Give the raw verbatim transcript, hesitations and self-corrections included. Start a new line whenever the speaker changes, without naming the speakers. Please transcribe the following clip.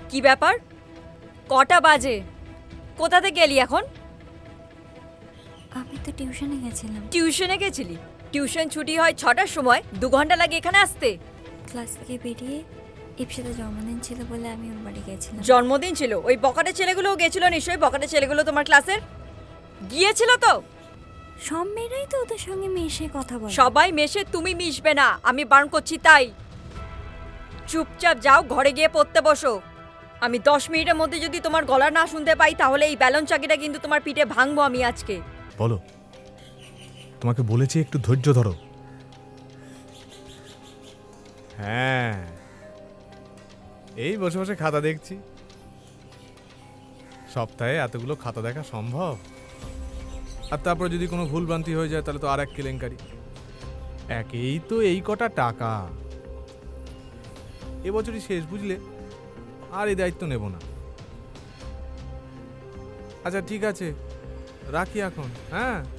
কি ব্যাপার? কটা বাজে? কোথা থেকে এলি এখন?
আমি তো টিউশনে গেছিলাম।
টিউশনে গেছিলি? টিউশন ছুটি হয় ছটার সময়, দু ঘন্টা লাগে এখানে আসতে।
ক্লাস থেকে বেরিয়ে ইপসিতে জন্মদিন ছিল বলে আমি ওর বাড়ি গেছিলাম।
জন্মদিন ছিল? ওই বকাটে ছেলেগুলোও গেছিল নিশ্চয়ই। বকাটে ছেলেগুলো তোমার ক্লাসের গিয়েছিল তো?
সব মেয়েরাই তো ওদের সঙ্গে মিশে কথা বলে।
সবাই মেশে, তুমি মিশবে না, আমি বারণ করছি তাই। চুপচাপ যাও, ঘরে গিয়ে পড়তে বসো। আমি দশ মিনিটের মধ্যে যদি তোমার গলা না শুনতে পাই তাহলে এই ব্যালন চাকিটা কিন্তু তোমার পিঠে ভাঙবো আমি আজকে।
বলো, তোমাকে বলেছি একটু ধৈর্য ধরো। হ্যাঁ, এই বসে বসে খাতা দেখছি। সপ্তাহে এতগুলো খাতা দেখা সম্ভব? আর তারপর যদি কোনো ভুলভ্রান্তি হয়ে যায় তাহলে তো আর এক কেলেঙ্কারি। একেই তো এই কটা টাকা, এবছরই শেষ, বুঝলে? আর এই দায়িত্ব নেব না। আচ্ছা ঠিক আছে, রাখি এখন। হ্যাঁ।